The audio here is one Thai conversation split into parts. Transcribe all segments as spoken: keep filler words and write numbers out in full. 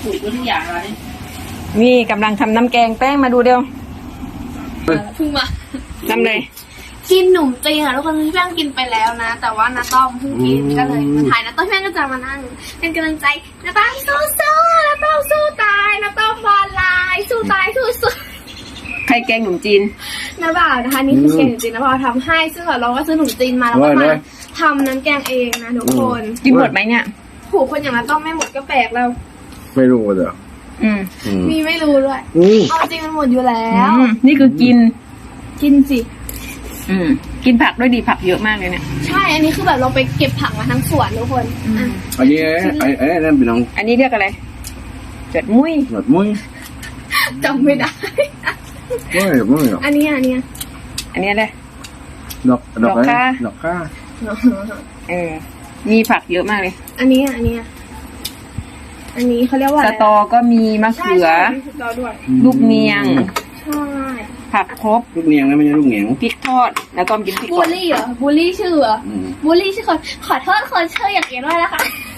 ปลูกทุกอย่างเลยนี่กำลังทำน้ำแกงแป้งมาดูเดียวเพิ่งมาทำเลยกินหนุ่มจีนค่ะทุกคนพี่แป้งกินไปแล้วนะแต่ว่าน้าต้อมเพิ่งกินก็เลยมาถ่ายน้าต้อมพี่แป้งก็จะมานั่งเป็นกำลังใจน้าต้อมสู้สู้น้าต้อมสู้ตายน้าต้อมบอลลายสู้ตายสู้สู้ใครแกงหนุ่มจีนน้าบ่าวนะคะนี่คือแกงหนุ่มจีนน้าบ่าวทำให้ซึ่งเราก็ซื้อหนุ่มจีนมาแล้วก็มาทำน้ำแกงเองนะทุกคนกินหมดไหมเนี่ยผูกคนอย่างน้าต้อมไม่หมดก็แปลกแล้วไม่รู้เหรออืมมีไม่รู้ด้วยอืมเอาจริงมันหมดอยู่แล้วอืมนี่คือกินกินสิอืมกินผักด้วยดีผักเยอะมากเลยเนี่ยใช่อันนี้คือแบบเราไปเก็บผักมาทั้งสวนทุกคนอ่ะอันนี้ไอ้ไอ้นั่นเป็นน้องอันนี้เรียกอะไรเจ็ดมุ้ยหนวดมุ้ยจำไม่ได้มุ้ยมุ้ยหรออันนี้อันนี้อันนี้เลยดอกดอกอะไรดอกค่าดอกข้าเออมีผักเยอะมากเลยอันนี้อันนี้อันนี้เขาเรียกว่าสตอก็มีมะใช่เขือใช่สตอด้วยลูกเนียงใช่ผักครบลูกเนียงนะไม่ใช่ลูกเหนียงพริกทอดแล้วก็กินพริกบูทอลดลี่เหรอบูลลี่ชื่อเหรออืมบูลลี่ชื่อคนขอโทษคนชื่ออย่างเงี้ยด้วยนะคะ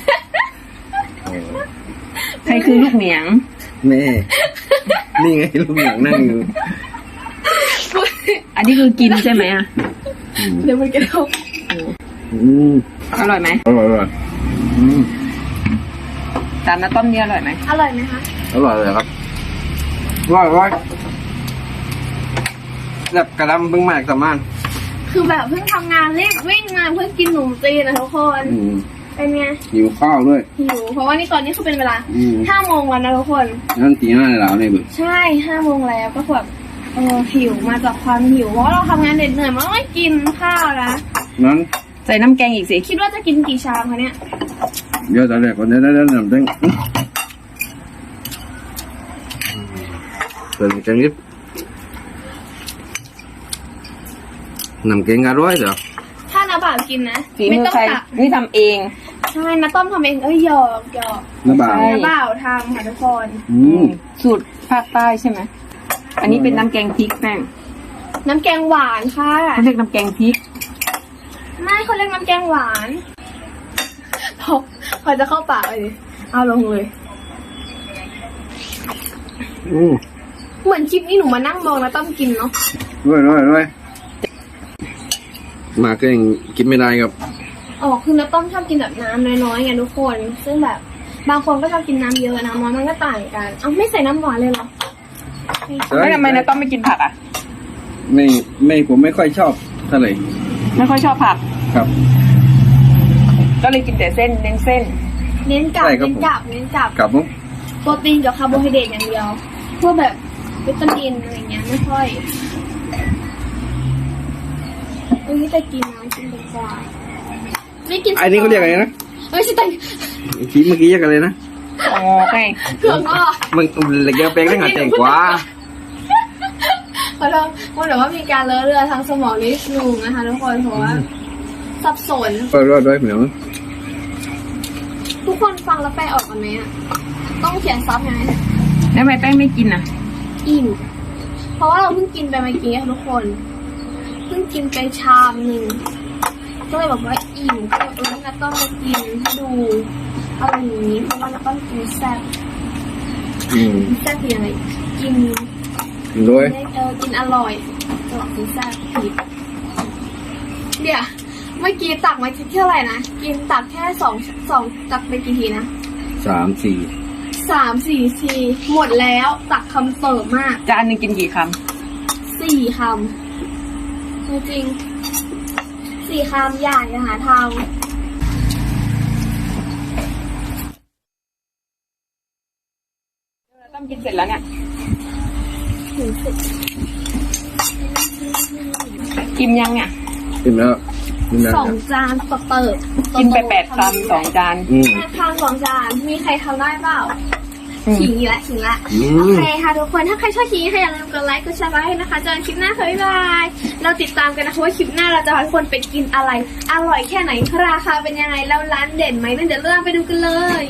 ใครคือลูกเหนียงแม่นี่ไงลูกเหนียงนั่งอยู่อันนี้คือกินใช่ไหมอ่ะเดี๋ยวมันจะเข้าอืมอร่อยไหมอร่อยอร่อยอืมจานน้ำต้มเนี่ยอร่อยไหมอร่อยไหมคะอร่อยเลยครับอร่อยอร่อยแบบกระลำเพิ่งมากสามานคือแบบเพิ่งทำงานรีบวิ่งมาเพื่อกินหนุ่มจีนนะทุกคนอืมเป็นไงหิวข้าวด้วยหิวเพราะว่านี่ตอนนี้คือเป็นเวลาอืมห้าโมงวันนะทุกคนนั่นตีหน้าในเหลาเนี่ยบึกใช่ห้าโมงแล้วก็แบบเออหิวมาจากความหิวเพราะเราทำงานเหน็ดเหนื่อยมันต้องไม่กินข้าวนะนั้นใส่น้ำแกงอีกสิคิดว่าจะกินกี่ชามคะเนี่ยเดี๋ยวตอนแรกก่อนเดี๋ยวเดี๋ยวเดี๋ยวน้ำแดงเปิดแกงนิดน้ำแกงอร่อยเหรอถ้าน้าบ่าวกินนะฝีไม่มือต้องใครตักนี่ทำเองใช่น้าต้มทำเองเอ้ยหยอกหยอกน้ำบ่าวใช่น้าบ่าวทำค่ะทุกคนอืมสูตรภาคใต้ใช่ไหมอันนี้เป็นน้ำแกงพริกแป้งน้ำแกงหวานค่ะเขาเรียกน้ำแกงพริกไม่เขาเรียกน้ำแกงหวานพอพอจะเข้าปากเลยเอาลงเลยอืมเหมือนคลิปนี้หนูมานั่งมองน้าต้มกินเนาะด้วยด้วยด้วยมาก็ยังกินไม่ได้ครับอ๋อคือน้าต้มชอบกินแบบน้ำน้อยๆไงทุกคน ซึ่งแบบบางคนก็ชอบกินน้ำเยอะน้ำน้อยมันก็ต่างกันเอาไม่ใส่น้ำหวานเลยเหรอแล้วทำไมนะต้องไม่กินผักอ่ะไม่ไม่ผมไม่ค่อยชอบเท่าไหร่ไม่ค่อยชอบผักครับก็เลยกินแต่เส้นเน้นเส้นเน้นกลับใช่ครับเน้นกลับเน้นกลับกลับมั้งโปรตีนกับคาร์โบไฮเดรตอย่างเดียวพวกแบบวิตามินอะไรเงี้ยไม่ค่อยเอ้ยแต่กินนะกินเป็นกว่าไม่กินอันนี้เขาเรียกอะไรนะไม่ใช่แต่ทีเมื่อกี้เรียกอะไรนะอ๋อไงเผือกอ่ะมันเหล็กแปลงได้หาแต่งกว่าขอโทษว่าแต่ว่ามีการเลอะเลือดทางสมองนิดนึงนะคะทุกคนเพราะว่าสับสนเออรอดด้วยเหมือนทุกคนฟังแล้วแปลออกกันไหมอ่ะต้องเขียนซับไงแล้วทำไมแป้งไม่กินอ่ะอิ่มเพราะว่าเราเพิ่งกินไปเมื่อกี้ค่ะทุกคนเพิ่งกินไปชามหนึ่งก็เลยบอกว่าอิ่มก็เลยเออนัดต้องมากินให้ดูอะไรอย่างนี้เพราะว่านัดต้องกินแซ่บอืมแซ่บคือยังไงกินด้วยได้เออกินอร่อยตลอดกินแซ่บผิดเดี๋ยวเมื่อกี้ตักมาคิดเท่าไหร่นะกินตักแค่สองสองตักไปกี่ทีนะสามสี่สามสี่ทีหมดแล้วตักคำเติมมากจานหนึงกินกี่คสี่คำจริงๆสี่คำอย่าอย่าหาทางำต้องกินเสร็จแล้วเนี่ยถึงสิบอิ่มยังเนี่ยกินแล้วกินแล้วสองจานต่อเติบกินไปแปดคำสองจานอืมแปดคำสองจานมีใครทำได้เปล่าอืมขิงอีกแล้วขิงละอืมโอเคค่ะทุกคนถ้าใครชอบคลิปนี้ค่ะอย่าลืมกดไลค์กดแชร์ไว้นะคะเจอกันคลิปหน้าค่ะบ๊ายบายเราติดตามกันนะคะว่าคลิปหน้าเราจะพาทุกคนไปกินอะไร อร่อยแค่ไหนราคาเป็นยังไงแล้วร้านเด่นไหมนั่นเดี๋ยวเราไปดูกันเลย